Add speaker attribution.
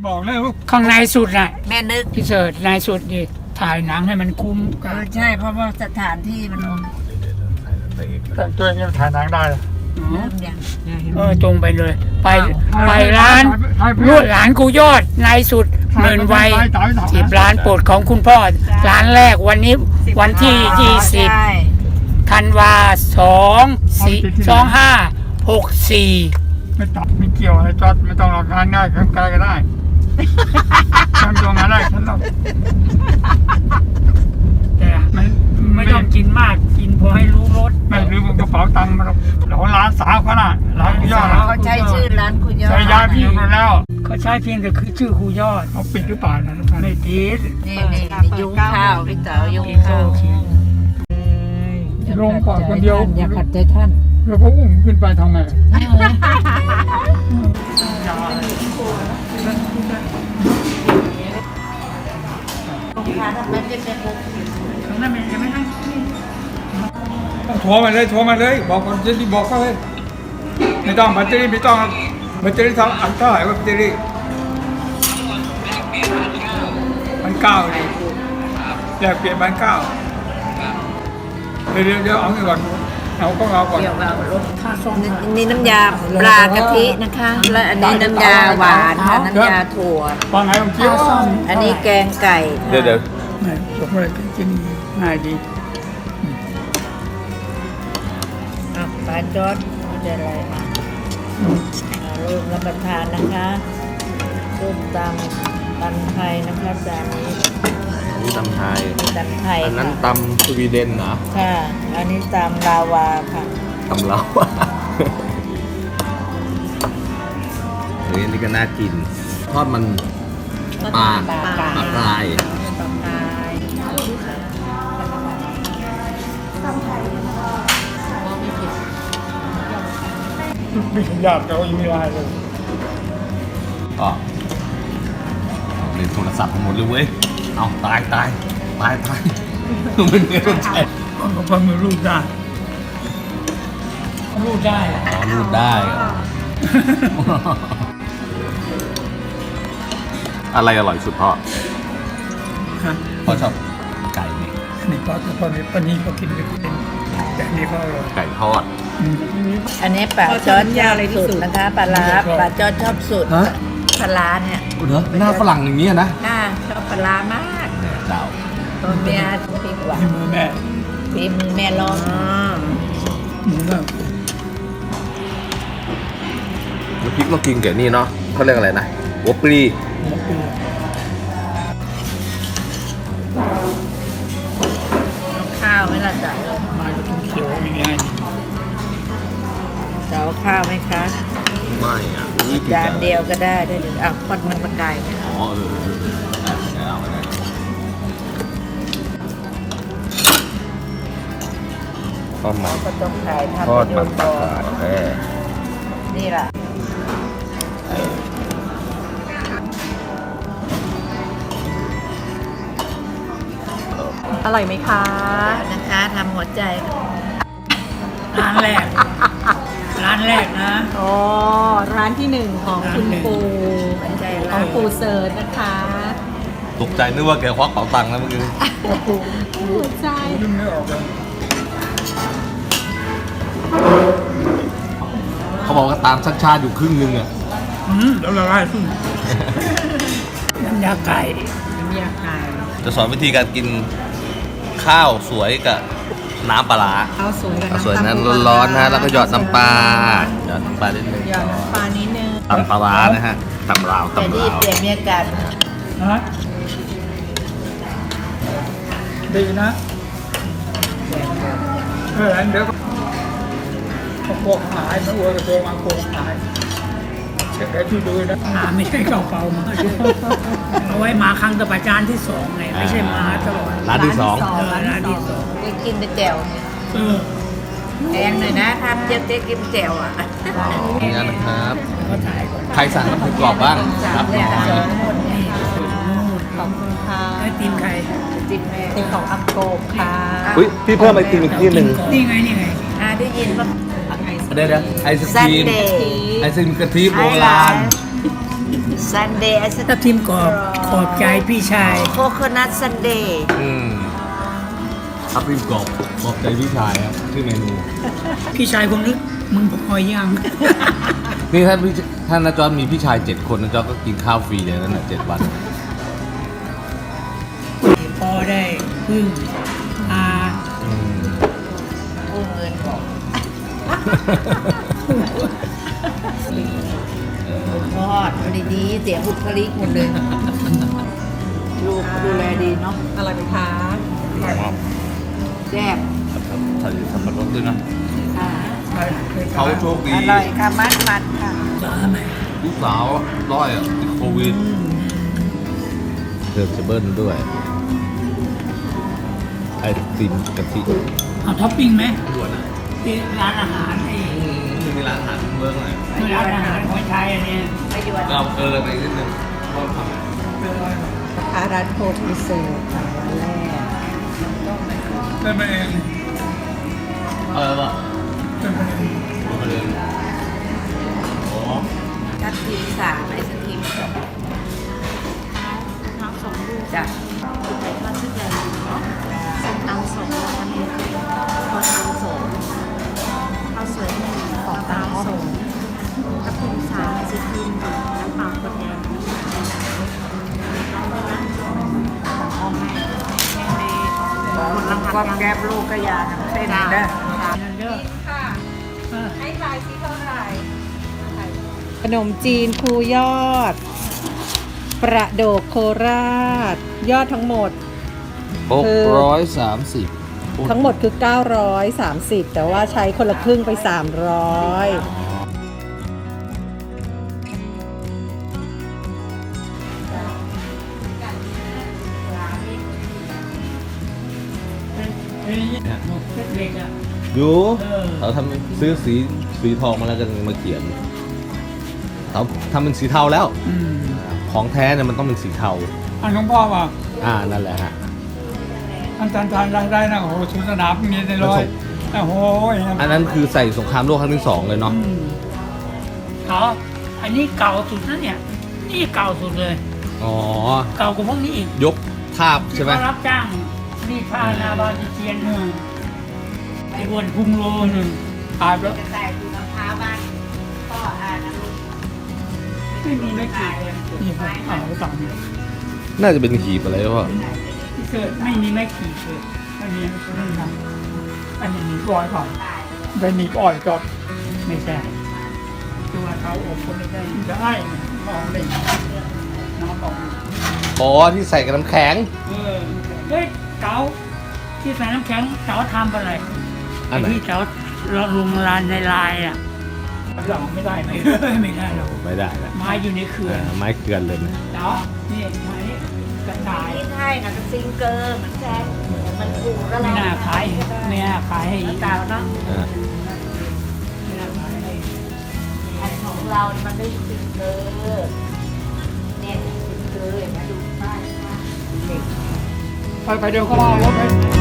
Speaker 1: บอกเลยว่า
Speaker 2: ข้างในสุดน่ะ
Speaker 3: แม่นึก
Speaker 2: พี่เสิร์ชในสุดดิถ่ายหนังให้มันคุ้มกับ
Speaker 3: ใช่เพราะว่าสถานที่มัน
Speaker 1: แต่ตัวเองถ่ายหนังได้เหรอ
Speaker 3: เริ่มยัง
Speaker 2: ตรงไปเลย ไปร้านลวดหลานกูยอดในสุดหมื่นวัย10 ล้านโปรดของคุณพ่อร้านแรกวันนี้วันที่20
Speaker 3: ใช่
Speaker 2: ธันวา2564
Speaker 1: ไม่ตัดไม่เกี่ยวอะไรจอดไม่ต้องหลอกงานง่ายทำไกลก็ได้ทำตัวงานได้ฉันต้อง
Speaker 2: แต่ไม่ต้องกินมากกินพอให้รู้รส
Speaker 1: ไม่ลืมกระเป๋าตังค์มาหรอกเราร้านสาวเขาน่ะร้านยอด
Speaker 3: เขาใช้ชื่อร้านคุณยอด
Speaker 1: ใช้ยาพี่อยู่แล้ว
Speaker 2: เขาใช้เพียงแต่คือชื่อครูยอด
Speaker 1: เขาปิดหรือเปล่านะ
Speaker 2: ไม่ติด
Speaker 3: นี่ยุงข้าวพี่เต๋อยุงข้าว
Speaker 1: ลงก่อนคนเดียว
Speaker 3: อย่าขัดใจท่าน
Speaker 1: แล้วก็อุ้มขึ้นไปทำไม
Speaker 3: มันจะเป็นมุก
Speaker 2: นั่นยังไม่ให้
Speaker 1: ต้องโทรมาเลยบอกคนจะรีบบอกเขาเลยไม่ต้องแบตเตอรี่ไม่ต้องแบตเตอรี่เท่าไหร่ว่าแบตเตอรี่1,900เลยอยากเปลี่ยน1,900เดี๋ยวเอาเงินก่อนเอาก่อน
Speaker 3: เกี่ยวกับรสข้าวส้มนี่น้ำยาปลากะทินะคะ และอันนี้น้ำยาหวานค่ะน้ำยาถั่ว
Speaker 1: ฟังไงผมเชี่ยว
Speaker 3: อันนี้แกงไก่
Speaker 4: เดี๋ยว
Speaker 2: ไม่จบเลยกินง่ายดี
Speaker 3: ปลาจอดมันจะอะไรร่วมรับประทานนะคะส้มตำไทยนะคะจานนี้
Speaker 4: นี่ตำไทย
Speaker 3: ตำไทย
Speaker 4: อันนั้น
Speaker 3: ค่ะ
Speaker 4: ตำสวีเดนเหรอ
Speaker 3: ค่ะ อันนี้ตำลาวาค่ะ
Speaker 4: ตำเราเฮ้ยอันนี้ก็น่ากิน ทอดมันปลาปลาย
Speaker 1: ไม่ถึงญาติเขายังไม่ไลน์เลย
Speaker 4: ก็เล่นโทรศัพท์หมดเลยเว้ย เอาตายมันไม่เข้าใจ
Speaker 2: ก็พอมือรูดได้รูดได้
Speaker 4: อ๋อรูดได้เหรออะไรอร่อยสุดพ่อ
Speaker 2: ฮะ
Speaker 4: พ่อชอบไก่นี่
Speaker 2: นี่ตอนปนี้ก็กินไม่เป็นแต่นี่ก็อร่อย
Speaker 4: ไก่ทอด
Speaker 3: อันนี้ปลาจอดชอบสุดนะคะปลาร้าปลาจอดชอบสุด
Speaker 4: ฮะ
Speaker 3: ปลาร้าเนี่ย
Speaker 4: เหรอหน้าฝรั่งอย่างนี้นะ
Speaker 3: ชอบปลาร้ามาก
Speaker 4: เจ้า
Speaker 3: ตัวเมียพริกหวาน
Speaker 2: ที่มือแม่
Speaker 3: ฝีมือแม่ลอง
Speaker 2: หมูแบบ
Speaker 4: น้ำพริกเรากินกับนี่เนาะเขาเรียกอะไรนะหัวปลี
Speaker 3: ข้าวไหมล่ะจ๊ะ
Speaker 2: มาจะกินเขียวอย่างนี้
Speaker 3: จะเอาข้าวไหมคะ
Speaker 4: ไม่อ่ะ
Speaker 3: จานเดียวก็ได้ได้เดี๋ยวอ่ะทอดมันปลากายไหม
Speaker 4: อ๋อเอาไปเลยทอดมัน
Speaker 3: ก็ต้องขายทำ
Speaker 4: ทอด
Speaker 3: ประโย
Speaker 4: มัน
Speaker 3: ชน์
Speaker 4: ปลา
Speaker 3: ต่อก
Speaker 4: าย
Speaker 3: นี่ล่ะ
Speaker 5: อร่อยไหมคะ
Speaker 3: นะคะทำหัวใจ
Speaker 2: ร้านแรกนะ
Speaker 5: อ๋อ ร้านที่หนึ่งของคุณปู
Speaker 3: หัวใจ
Speaker 5: ข
Speaker 3: เรา
Speaker 5: องปูเซิร์ชนะคะ
Speaker 4: ตกใจนึกว่าแกควักเป๋าตังค์แล้วเมื่อกี้
Speaker 5: หัวใจ
Speaker 1: ดึงไม่ออกเลย
Speaker 4: เขาบอกว่าตามชัดชาติอยู่ครึ่งนึงอ่ะ
Speaker 1: แล้วละลายขึ้น
Speaker 2: น้ำยาไก่
Speaker 5: น้ำยาไก่
Speaker 4: จะสอนวิธีการกินข้าวสวยกับน้ำปลาร้า
Speaker 5: ข้าวสวยกับ
Speaker 4: ข้าว
Speaker 5: น้ำ
Speaker 4: สวย
Speaker 5: ตาล
Speaker 4: นั้น
Speaker 5: ปูปลา
Speaker 4: ร้อนๆนะแล้วก็หยอดน้ำปลาหยอดน้ำปลานิดนึง
Speaker 5: หยอดน้ำปลานิดนึง
Speaker 4: ตำปลาร้านะฮะตำลาว
Speaker 3: แต่
Speaker 4: ตำ
Speaker 3: นี่
Speaker 4: ลาว
Speaker 3: เปลี่ยนเมียกัน
Speaker 2: ฮะดีนะ
Speaker 1: เดี๋ยวก็พวกหายมาอวยกับตัวมาโกงหายเช็คได้ที่ดูนะ
Speaker 2: ไม่ใช่เก่าเปล่ามาเอาไว้มาครั้งต่อไปจานที่สองไงไม่ใช่มาตลอด
Speaker 4: ร้านที่สอง
Speaker 2: ร้านที่สอง
Speaker 3: ไปกินแต่แจ่ว
Speaker 2: เออ
Speaker 3: แพงหน่อยนะทำเจ๊กินแจ่วอ่ะ
Speaker 4: นี่นะครับ
Speaker 2: เขาถ่ายก่อน
Speaker 4: ใครสั่งน้ำพริกกรอบบ้างรับหน่อย
Speaker 5: ขอบคุณค่ะ
Speaker 2: ไอติมใคร
Speaker 3: จิบแม่
Speaker 5: เป็นของอักโกบค่ะ
Speaker 4: อุ้ยพี่เพิ่มไอติมอีกที่หนึ่ง
Speaker 2: นี่ไง
Speaker 3: ได้ยินป่ะ
Speaker 4: เดี๋ยวไอศค
Speaker 3: ซัน
Speaker 4: รีม
Speaker 3: เดย์
Speaker 4: ไอศครีมกะทิโบราณ
Speaker 3: ซันเดย์ไอศ
Speaker 2: ทับทิมกรอบขอบใจพี่ชาย
Speaker 3: โคโคนัทซันเดย์
Speaker 4: ทับทิมกรอบขอบใจพี่ชายครับชื่อเมนู
Speaker 2: พี่ชายคงนึกมึงพอยัง
Speaker 4: นี่ถ้านาจอร์มีพี่ชาย 7 คนนาจอร์ก็กินข้าวฟรีเลยนั่นแหละ7 วัน
Speaker 2: พอได้พึ่งอา
Speaker 3: กู้เงินบอกทอดดีๆเสียบุคลิกหมดเลยลูกดูแลดีเนาะ
Speaker 5: อะไรไหมคะ
Speaker 3: แซ่บ
Speaker 4: ใส่สับปะรดด้วยนะ
Speaker 3: ค่ะ
Speaker 4: เขาโชคดี
Speaker 3: อร่อยค่ะมันค่ะ
Speaker 2: สาไหม
Speaker 4: ลูกสาวร้อยติดโควิดเดิมจะเบิ้ลด้วย ไอติมกะทิ
Speaker 2: เอาท็อปปิ้งไหม
Speaker 4: ด่วนอ่ะ
Speaker 2: ที่ร้านอาหารไอ้
Speaker 4: มีร้านอาหารเมืองหน่อย
Speaker 2: ร้านอาหารของไทยอันนี้
Speaker 3: ไม่ยวน
Speaker 4: เราเกินไปนิดนึงเพราะทำ
Speaker 5: นะคะร้านโคตรพิเศษค่ะร้านแรก
Speaker 1: เล่นมาเอง
Speaker 4: ป่ะ
Speaker 1: เล่นมาเอง
Speaker 4: มาเลยอ๋อ
Speaker 3: ทับทิม3ไอศครีมน้ำ2 ลูกจ้ะคุณไปทอดที่เดิมเนาะส้มตำ2แล้วอันนี้ข้าวตำ2ข้าวสวย1ข้าวตำ2ทับทิม3ไอศครีมน้ำเปล่าขวดแดงความแก้บลูกก็ยาเส้นได้
Speaker 5: ขนมจีนครูยอด ประโดกโคราช ยอดทั้งหมด
Speaker 4: 630
Speaker 5: ทั้งหมดคือ 930 แต่ว่าใช้คนละครึ่งไป 300
Speaker 2: เล็กอ่ะ
Speaker 4: อยู่เขาทำซื้อสีทองมาแล้วกันมาเขียนเขาทำเป็นสีเทาแล้ว ของแท้เนี่ยมันต้องเป็นสีเทา
Speaker 1: อันหลวงพ่อว่า
Speaker 4: นั่นแหละฮะ
Speaker 1: อันทานได้นะโอ้โหชุดสนามมีในร้อยโอ้โห
Speaker 4: อันนั้นคือใส่สงครามโลกครั้งที่ 2เลยเนาะ
Speaker 2: เขาอันนี้เก่าสุดนะเนี่ย นี่เก่าสุดเลย
Speaker 4: อ๋อ
Speaker 2: เก่ากว่าพวกนี้อีก
Speaker 4: ยกทาบใช่ไหม
Speaker 2: เขารับจ้างรีดผ้านาบาติเจียนไอ้บวนพุงโลหนึ่งตายแล้ว
Speaker 3: จะแตกอยู่มะพร้าวบ้านพ่อนะลูก
Speaker 2: ไม่มีไม่กี่เลย
Speaker 1: นี่ผมอ่านก็ต่างเนี่ย
Speaker 4: น่าจะเป็นหีบอะไรวะ
Speaker 2: เกิดไม่มีไม่กี่เกิด
Speaker 1: อันนี้ไม่ทำอันนี้หนีบอยก่อนไปหนีบอ่อยก่อน
Speaker 2: ไม่ใช่ตัวเขาอบก็ไม่ได้
Speaker 1: จะให้มองเลยน้ำออก
Speaker 4: อ๋อที่ใส่กับน้ำแข็ง
Speaker 2: เฮ้ยเก๋าที่ใส่น้ำแข็งเก๋าทำอะไร
Speaker 4: อันไหน
Speaker 2: ที่เก๋าลงลานในลายอ่ะ
Speaker 1: หลังไม่ได้ไหม
Speaker 2: ไม่ได้หรอก
Speaker 4: ไม่ได้แล้ว
Speaker 2: ไม้อยู่ในเขื่อน
Speaker 4: ไม้เกลือนเลยนะ
Speaker 2: เก๋านี่ไม้กระต่าย
Speaker 3: ที่ไทยนะซิงเกอร์เหมือนแจ้งมันถูกแล้ว
Speaker 2: ไม่น่าขายไม่น่าขายให้
Speaker 3: เก่าเนาะ
Speaker 4: อ่า
Speaker 2: ไม่น่าขายให้
Speaker 3: อันของเรามันไม่ซิงเกอร์เนี่ยซิงเกอร์อย่างนี้ดูป้ายเด็ก
Speaker 1: ไปเดี๋ยวเขามาเอารถไป